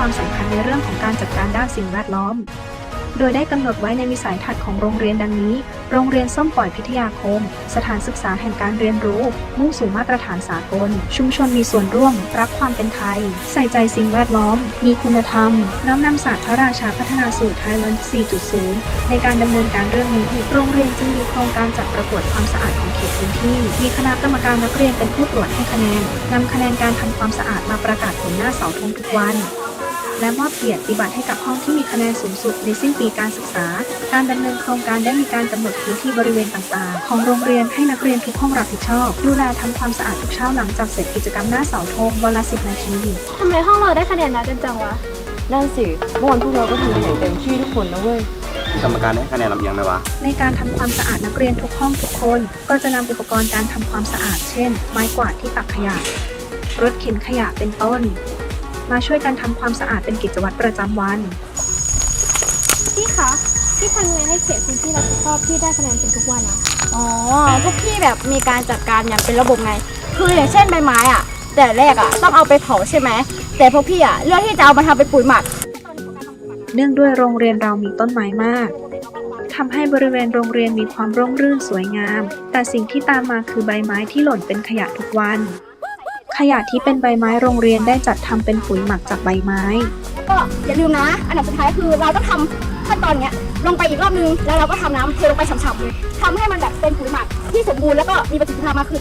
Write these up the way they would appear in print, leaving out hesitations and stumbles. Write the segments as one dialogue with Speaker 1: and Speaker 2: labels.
Speaker 1: ความสำคัญในเรื่องของการจัดการด้านสิ่งแวดล้อมโดยได้กำหนดไว้ในวิสัยทัศน์ของโรงเรียนดังนี้โรงเรียนส้มปล่อยพิทยาคมสถานศึกษาแห่งการเรียนรู้มุ่งสู่มาตรฐานสากลชุมชนมีส่วนร่วมรักความเป็นไทยใส่ใจสิ่งแวดล้อมมีคุณธรรมน้อมนำศาสตร์พระราชาพัฒนาสู่ไทยแลนด์ 4.0 ในการดำเนินการเรื่องนี้โรงเรียนจึงมีโครงการจัดประกวดความสะอาดของเขตพื้นที่มีคณะกรรมการนักเรียนเป็นผู้ตรวจให้คะแนนนำคะแนนการทำความสะอาดมาประกาศผลหน้าเสาธงทุกวันและมอบเกียรติบัตรให้กับห้องที่มีคะแนนสูงสุดในสิ้นปีการศึกษาการดำเนินโครงการได้มีการกำหนดพื้นที่บริเวณต่างๆของโรงเรียนให้นักเรียนทุกห้องรับผิดชอบดูแลทำความสะอาดทุกเช้าหลังจากเสร็จกิจกรรมหน้าเสาธงวันละ10 นาที
Speaker 2: ทำไมห้องเราได้คะแนนน้อยจังวะ
Speaker 3: นั่นสิเมื่อวันพวกเราก็ทำกันอย่างเต็มที่ทุกคนนะเว้ย
Speaker 4: กรรมการให้คะแนนลำเอียงไหมวะ
Speaker 1: ในการทำความสะอาดนักเรียนทุกห้องทุกคนก็จะนำอุปกรณ์การทำความสะอาดเช่นไม้กวาดที่ตักขยะรถเข็นขยะเป็นต้นมาช่วยกันทำความสะอาดเป็นกิจวัตรประจำวัน
Speaker 2: พี่คะพี่ทำยังไงให้เขตพื้นที่รับผิดชอบที่ได้คะแนนเป็นทุกวันอะ
Speaker 3: พวกพี่แบบมีการจัดการอย่างเป็นระบบไงคืออย่างเช่นใบไม้อ่ะแต่แรกอ่ะต้องเอาไปเผาใช่ไหมแต่พวกพี่อ่ะเลือกที่จะเอามาทำเป็นปุ๋ยหมัก
Speaker 1: เนื่องด้วยโรงเรียนเรามีต้นไม้มากทำให้บริเวณโรงเรียนมีความร่มรื่นสวยงามแต่สิ่งที่ตามมาคือใบไม้ที่หล่นเป็นขยะทุกวันขยะที่เป็นใบไม้โรงเรียนได้จัดทำเป็นปุ๋ยหมักจากใบไม้
Speaker 3: ก็อย่าลืมนะอันดับสุดท้ายคือเราต้องทำขั้นตอนเนี้ยลงไปอีกรอบนึงแล้วเราก็ทำน้ำเทลงไปฉ่ำๆเลยทำให้มันแบบเป็นปุ๋ยหมักที่สมบูรณ์แล้วก็มีประสิทธิภาพมากขึ้น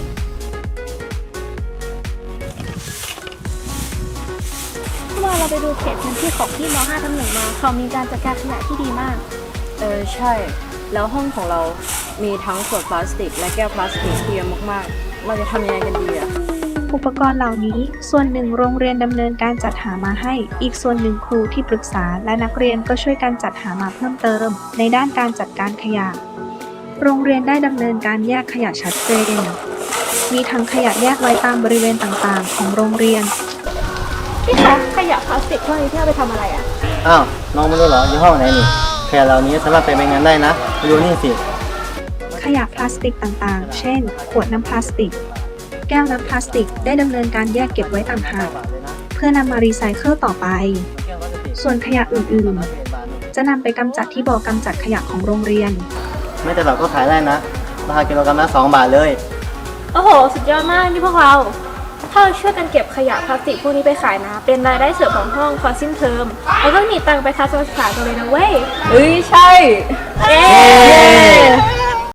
Speaker 2: เมื่อเราไปดูเขตพื้นที่ของที่ม.5 ทับ 1มาเขามีการจัดการขยะที่ดีมาก
Speaker 3: ใช่แล้วห้องของเรามีทั้งขวดพลาสติกและแก้วพลาสติกเยอะมากๆเราจะทำยังไงกันดีอะ
Speaker 1: อุปกรณ์เหล่านี้ส่วนหนึ่งโรงเรียนดำเนินการจัดหามาให้อีกส่วนหนึ่งครูที่ปรึกษาและนักเรียนก็ช่วยกันจัดหามาเพิ่มเติมในด้านการจัดการขยะโรงเรียนได้ดำเนินการแยกขยะชัดเจนมีถังขยะแยกไว้ตามบริเวณต่างๆของโรงเรียน
Speaker 2: พี่คะขยะพลาสติกพวกนี้ที่เอาไปทำอะไรอะ
Speaker 5: อ้าวน้องไม่รู้เหรอยี่ห้อไหนนี่ขยะเหล่านี้สามารถไปใบงานได้นะไปดูนี่สิ
Speaker 1: ขยะพลาสติกต่างๆเช่นขวดน้ำพลาสติกแก้วน้ำพลาสติกได้ดำเนินการแยกเก็บไว้ต่างหากเพื่อนำมารีไซเคิลต่อไปส่วนขยะอื่นๆจะนำไปกำจัดที่บ่อกำจัดขยะของโรงเรียน
Speaker 5: ไม่แต่เราก็ขายได้นะราคากิโลกรัมละ2 บาทเลย
Speaker 2: โอ้โหสุดยอดมากนี่พวกเราถ้าเราช่วยกันเก็บขยะพลาสติกพวกนี้ไปขายนะเป็นรายได้เสริมของห้องพอสิ้นเทอมแล้วก็มีตังค์ไปทัศนศึกษาตัวเลยนะเว้ย
Speaker 3: ใช่
Speaker 2: เย้